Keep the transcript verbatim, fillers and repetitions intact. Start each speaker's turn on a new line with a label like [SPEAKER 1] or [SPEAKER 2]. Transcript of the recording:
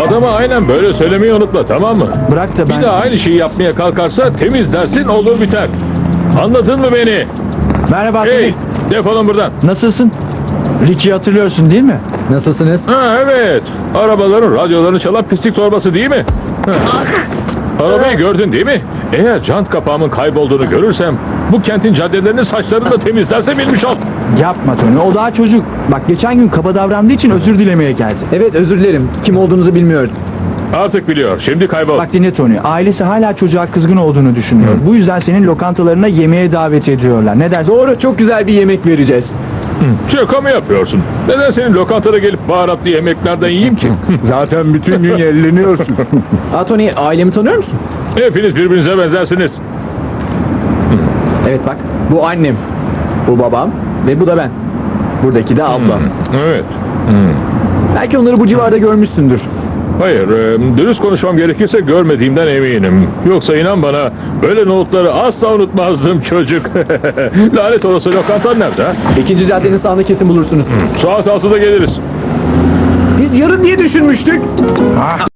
[SPEAKER 1] Adama aynen böyle söylemeyi unutma, tamam mı?
[SPEAKER 2] Bırak da ben...
[SPEAKER 1] Bir daha aynı şeyi yapmaya kalkarsa temiz dersin, olur biter. Anladın mı beni?
[SPEAKER 2] Merhaba
[SPEAKER 1] Hey,
[SPEAKER 2] Tony.
[SPEAKER 1] defolun buradan.
[SPEAKER 2] Nasılsın? Ricky'yi hatırlıyorsun değil mi?
[SPEAKER 3] Nasılsınız?
[SPEAKER 1] Ha evet, arabaların radyolarını çalan pislik torbası değil mi? Ha. Arabayı gördün değil mi? Eğer jant kapağımın kaybolduğunu görürsem bu kentin caddelerini saçlarını da temizlerse bilmiş ol.
[SPEAKER 2] Yapma Tony, o daha çocuk. Bak geçen gün kaba davrandığı için özür dilemeye geldi.
[SPEAKER 3] Evet, özür dilerim. Kim olduğunuzu bilmiyorum.
[SPEAKER 1] Artık biliyor, şimdi kaybol.
[SPEAKER 2] Bak dinle Tony, ailesi hala çocuğa kızgın olduğunu düşünüyor. Bu yüzden senin lokantalarına yemeğe davet ediyorlar. Ne dersin?
[SPEAKER 3] Doğru, çok güzel bir yemek vereceğiz.
[SPEAKER 1] Şaka mı yapıyorsun? Neden senin lokantana gelip baharatlı yemeklerden yiyeyim ki?
[SPEAKER 4] Zaten bütün gün yerleniyorsun.
[SPEAKER 3] Aa, Tony, ailemi tanıyor musun?
[SPEAKER 1] Hepiniz birbirinize benzersiniz.
[SPEAKER 3] Evet bak, bu annem, bu babam ve bu da ben. Buradaki de ablam.
[SPEAKER 1] Hmm, evet. Hmm.
[SPEAKER 3] Belki onları bu civarda görmüşsündür.
[SPEAKER 1] Hayır, e, dürüst konuşmam gerekirse görmediğimden eminim. Yoksa inan bana, böyle nohutları asla unutmazdım çocuk. Lanet olası, lokantan nerede? ha?
[SPEAKER 3] İkinci caddenin sağında kesin bulursunuz.
[SPEAKER 1] Saat altıda geliriz.
[SPEAKER 3] Biz yarın diye düşünmüştük.
[SPEAKER 2] Ah,